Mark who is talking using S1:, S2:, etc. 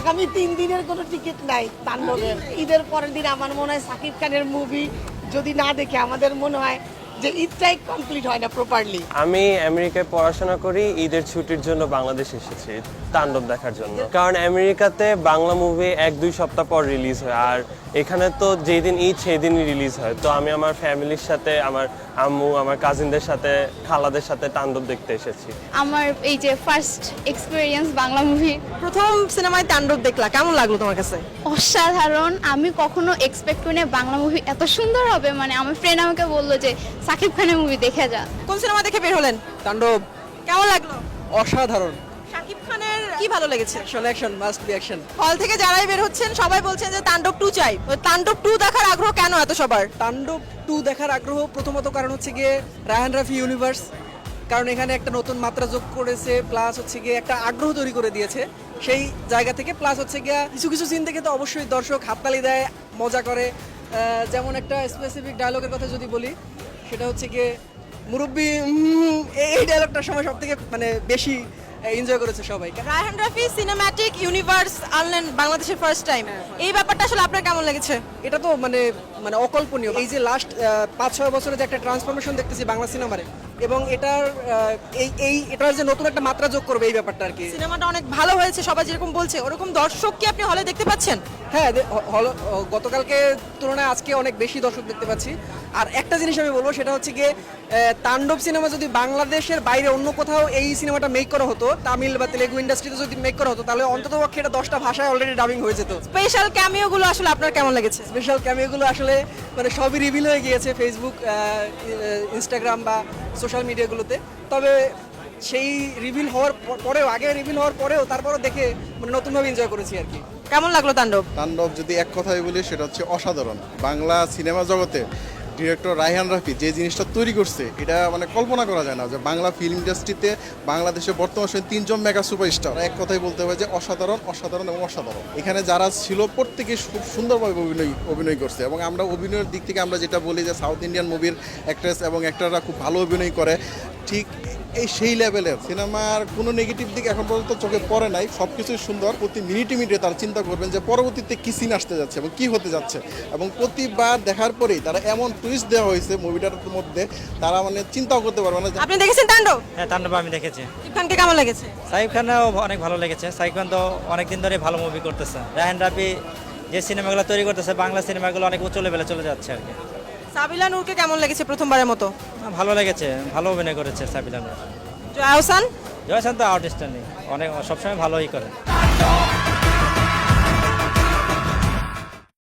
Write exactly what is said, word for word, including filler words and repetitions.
S1: আগামী তিন দিনের কোনো টিকিট নাই তাণ্ডবের। ঈদের পরের দিন আমার মনে হয় সাকিব খানের মুভি যদি না দেখে আমাদের মনে হয় যে ঈদটাই কমপ্লিট হয় না প্রপারলি।
S2: আমি আমেরিকায় পড়াশোনা করি, ঈদের ছুটির জন্য বাংলাদেশ এসেছি তাণ্ডব দেখার জন্য। কারণ আমেরিকাতে বাংলা মুভি এক দুই সপ্তাহ পর রিলিজ হয়, আর এখানে তো যেই দিন ঈদ সেই দিনই রিলিজ হয়। তো আমি আমার ফ্যামিলির সাথে, আমার আম্মু, আমার কাজিনদের সাথে, খালাদের সাথে তাণ্ডব দেখতে এসেছি।
S3: আমার এই যে ফার্স্ট এক্সপেরিয়েন্স বাংলা মুভি,
S4: প্রথম সিনেমায় তাণ্ডব দেখলা, কেমন লাগলো তোমার কাছে?
S3: অসাধারণ। আমি কখনো এক্সপেক্ট করি না বাংলা মুভি এত সুন্দর হবে। মানে আমার ফ্রেন্ড আমাকে বললো যে সাকিব খানের মুভি দেখে যা।
S4: কোন সিনেমা দেখে বের হলেন?
S5: তাণ্ডব
S4: কেমন লাগলো?
S5: অসাধারণ।
S4: শাকিব খানের কি ভালো লেগেছে?
S5: Action action must be action.
S4: Hall থেকে যারাই বের হচ্ছেন সবাই বলছেন যে তাণ্ডব টু চাই। ওই তাণ্ডব টু দেখার আগ্রহ কেন এত সবার?
S5: তাণ্ডব টু দেখার আগ্রহ প্রথমত কারণ হচ্ছে গিয়ে রায়হান রাফি ইউনিভার্স, কারণ এখানে একটা নতুন মাত্রা যোগ করেছে, প্লাস হচ্ছে গিয়ে একটা আগ্রহ তৈরি করে দিয়েছে সেই জায়গা থেকে। প্লাস হচ্ছে গিয়ে কিছু কিছু সিন থেকে তো অবশ্যই দর্শক হাততালি দেয়, মজা করে। আহ, যেমন একটা স্পেসিফিক ডায়লগের কথা যদি বলি, সেটা হচ্ছে গিয়ে মুরব্বী, উম, এই ডায়লগটার সময় সব থেকে মানে বেশি এনজয় করেছে সবাই।
S4: রায়হান রাফি সিনেম্যাটিক ইউনিভার্স আনলেন বাংলাদেশের ফার্স্ট টাইম, এই ব্যাপারটা আসলে আপনার কেমন লেগেছে?
S5: এটা তো মানে মানে অকল্পনীয়। এই যে লাস্ট পাঁচ ছয় বছরে যে একটা ট্রান্সফরমেশন দেখতেছি বাংলা সিনেমারে, এবং এটার আহ, এই এই এটার যে নতুন একটা মাত্রা যোগ করবে এই ব্যাপারটা আর কি।
S4: সিনেমাটা অনেক ভালো হয়েছে সবাই যেরকম বলছে, ওরকম দর্শক কি আপনি হলে দেখতে পাচ্ছেন?
S5: হ্যাঁ, দে- হ- হল গতকালকে তুলনায় আজকে অনেক বেশি দর্শক দেখতে পাচ্ছি। আর একটা জিনিস আমি বলবো, সেটা হচ্ছে গিয়ে আহ, তাণ্ডব সিনেমা যদি বাংলাদেশের বাইরে অন্য কোথাও এই সিনেমাটা মেক করা হতো, তামিল বা তেলেগু ইন্ডাস্ট্রিতে যদি মেক করা হতো, তাহলে অন্ততপক্ষে এটা দশটা ভাষায় অলরেডি ডাবিং হয়ে যেত।
S4: স্পেশাল ক্যামিও গুলো আসলে আপনার কেমন লেগেছে?
S5: স্পেশাল ক্যামিওগুলো আসলে মানে সবই রিভিল হয়ে গিয়েছে ফেসবুক, ইনস্টাগ্রাম বা সোশ্যাল মিডিয়াগুলোতে। তবে সেই রিভিল হওয়ার প- পরেও, আগে রিভিল হওয়ার পরেও তারপরও দেখে মানে নতুনভাবে এনজয় করেছি আর কি।
S4: কেমন লাগলো তাণ্ডব?
S6: তাণ্ডব যদি এক কথায় বলি সেটা হচ্ছে অসাধারণ। বাংলা সিনেমা জগতে ডিরেক্টর রায়হান রাফি যে জিনিসটা তৈরি করছে, এটা মানে কল্পনা করা যায় না যে বাংলা ফিল্ম ইন্ডাস্ট্রিতে বাংলাদেশে বর্তমান সময়ে তিনজন মেগা সুপারস্টার, এক কথায় বলতে হয় যে অসাধারণ অসাধারণ এবং অসাধারণ। এখানে যারা ছিল প্রত্যেকে খুব সুন্দরভাবে অভিনয় অভিনয় করছে, এবং আমরা অভিনয়ের দিক থেকে আমরা যেটা বলি যে সাউথ ইন্ডিয়ান মুভির অ্যাক্ট্রেস এবং অ্যাক্টররা খুব ভালো অভিনয় করে, ঠিক এই সেই লেভেলের সিনেমার কোনো নেগেটিভ দিক এখন পর্যন্ত চোখে পড়ে নাই। সব কিছুই সুন্দর। প্রতি মিনিটে মিনিটে তারা চিন্তা করবেন যে পরবর্তীতে কী সিন আসতে যাচ্ছে এবং কী হতে যাচ্ছে, এবং প্রতিবার দেখার পরেই তারা এমন টুইস্ট দেওয়া হয়েছে মুভিটার মধ্যে, তারা মানে চিন্তাও করতে পারবে না যে
S4: আপনি দেখেছেন তাণ্ডব?
S7: হ্যাঁ, তাণ্ডব আমি দেখেছি।
S4: শাকিব খানকে কেমন লেগেছে?
S7: সাকিব খানও অনেক ভালো লেগেছে। সাকিব খান তো অনেকদিন ধরে ভালো মুভি করতেছে। রায়হান রাফি যে সিনেমাগুলো তৈরি করতেছে, বাংলা সিনেমাগুলো অনেক উচ্চ লেভেলে চলে যাচ্ছে আর কি।
S4: সাবিলা নূরকে কেমন লেগেছে প্রথমবারের মতো?
S7: ভালো লেগেছে, ভালো অভিনয় করেছে সাবিলা নূর।
S4: জয়া হোসান?
S7: জয়সান তো আউটস্ট্যান্ডিং, অনেক সবসময় ভালোই করে।